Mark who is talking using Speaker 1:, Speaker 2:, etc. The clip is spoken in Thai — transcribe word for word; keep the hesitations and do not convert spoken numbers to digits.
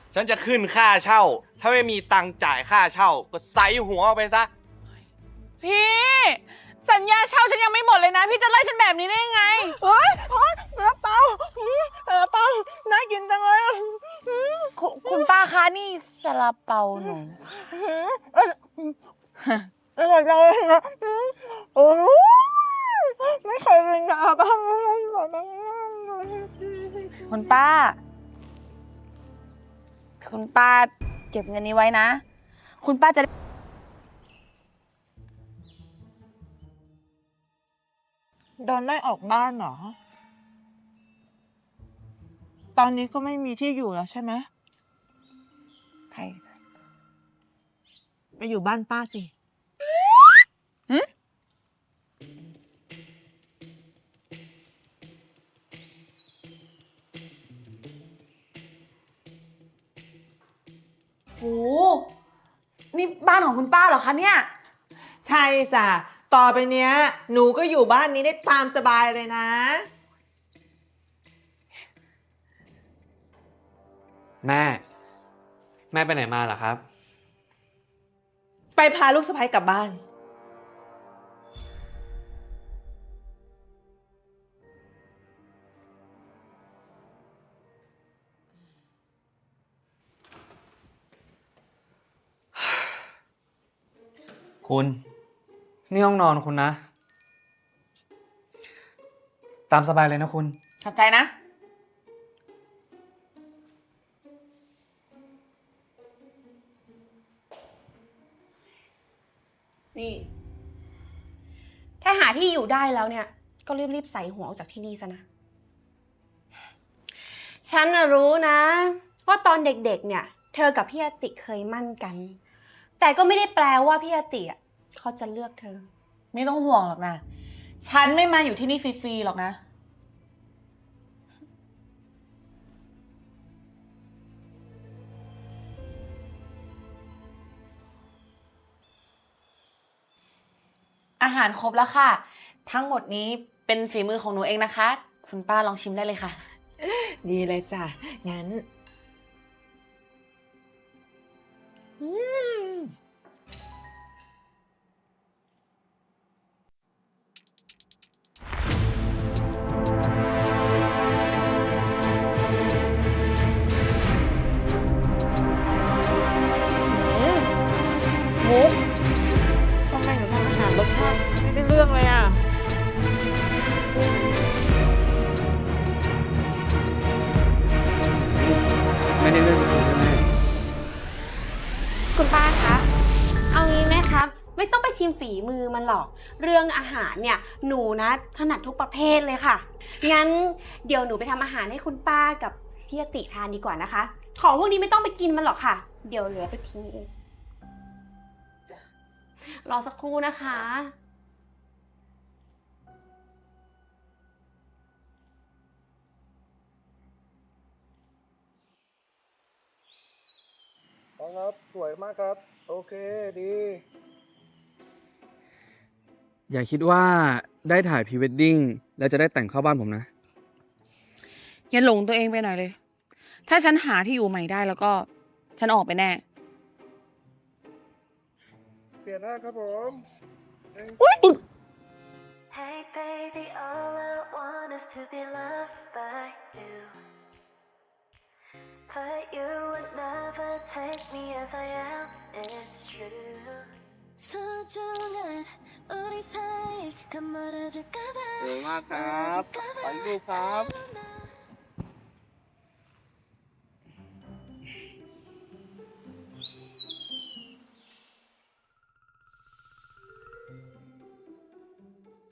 Speaker 1: ฉันจะขึ้นค่าเช่าถ้าไม่มีตังค์จ่ายค่าเช่าก็ใส่หัวออกไปซะ
Speaker 2: พี่สัญญาเช่าฉันยังไม่หมดเลยนะพี่จะไล่ฉันแบบนี้ได้ยังไง
Speaker 3: เฮ้ยซาลาเปาซาลาเปาน่ากินจังเลย
Speaker 2: คคุณป้าคะนี่ซาลาเปาหนู
Speaker 3: อร่อยจังเลยนะโอ้ไม่เคยกินซาลาเปา
Speaker 2: คุณป้าคุณป้าเก็บเงินนี้ไว้นะคุณป้าจะ
Speaker 3: โดนไล่ออกบ้านเหรอตอนนี้ก็ไม่มีที่อยู่แล้วใช่ไหม
Speaker 2: ใช่
Speaker 3: ไปอยู่บ้านป้าสิ
Speaker 2: หืมโอ้นี่บ้านของคุณป้าเหรอคะเนี่ย
Speaker 3: ใช่จ้ะต่อไปเนี้ยหนูก็อยู่บ้านนี้ได้ตามสบายเลยนะ
Speaker 4: แม่ แม่ไปไหนมาเหรอครับ
Speaker 3: ไปพาลูกสะใภ้กลับบ้าน
Speaker 4: คุณนี่ห้องนอนคุณนะ ตามสบายเลยนะคุณ
Speaker 2: ขอบใจนะ
Speaker 5: นี่ถ้าหาที่อยู่ได้แล้วเนี่ยก็รีบๆใส่หัวออกจากที่นี่ซะนะฉันน่ะรู้นะว่าตอนเด็กๆเนี่ยเธอกับพี่อาติเคยมั่นกันแต่ก็ไม่ได้แปลว่าพี่อาติอ่ะเขาจะเลือกเธอ
Speaker 2: ไม่ต้องห่วงหรอกนะฉันไม่มาอยู่ที่นี่ฟรีๆหรอกนะอาหารครบแล้วค่ะทั้งหมดนี้เป็นฝีมือของหนูเองนะคะคุณป้าลองชิมได้เลยค่ะ
Speaker 3: ดีเลยจ้ะงั้นอืมมุกทำไมหนูทำอาหารรสชาติไม่ได้เรื่องเลยอ่ะ
Speaker 4: ไม่ได้เรื่องใช่ไหม
Speaker 5: คุณป้าคะเอางี้ไหมครับไม่ต้องไปชิมฝีมือมันหรอกเรื่องอาหารเนี่ยหนูนะถนัดทุกประเภทเลยค่ะงั้นเดี๋ยวหนูไปทำอาหารให้คุณป้ากับพี่อาติทานดีกว่านะคะของพวกนี้ไม่ต้องไปกินมันหรอกค่ะเดี๋ยวเหลือไปทิ้งเองรอสักครู่นะคะ
Speaker 1: ครับสวยมากครับโอเคดี
Speaker 4: อย่าคิดว่าได้ถ่ายพรีเวดดิ้งแล้วจะได้แต่งเข้าบ้านผมนะ
Speaker 2: อย่าหลงตัวเองไปหน่อยเลยถ้าฉันหาที่อยู่ใหม่ได้แล้วก็ฉันออกไปแน่
Speaker 1: เปลี่ยนหน้าครับผม
Speaker 6: Hey baby, all I want is to be loved by you. But you would never take me as I am, it's true. 소중한 우리 사이 가물어질까봐
Speaker 1: เร็วมากครับไปดูครับ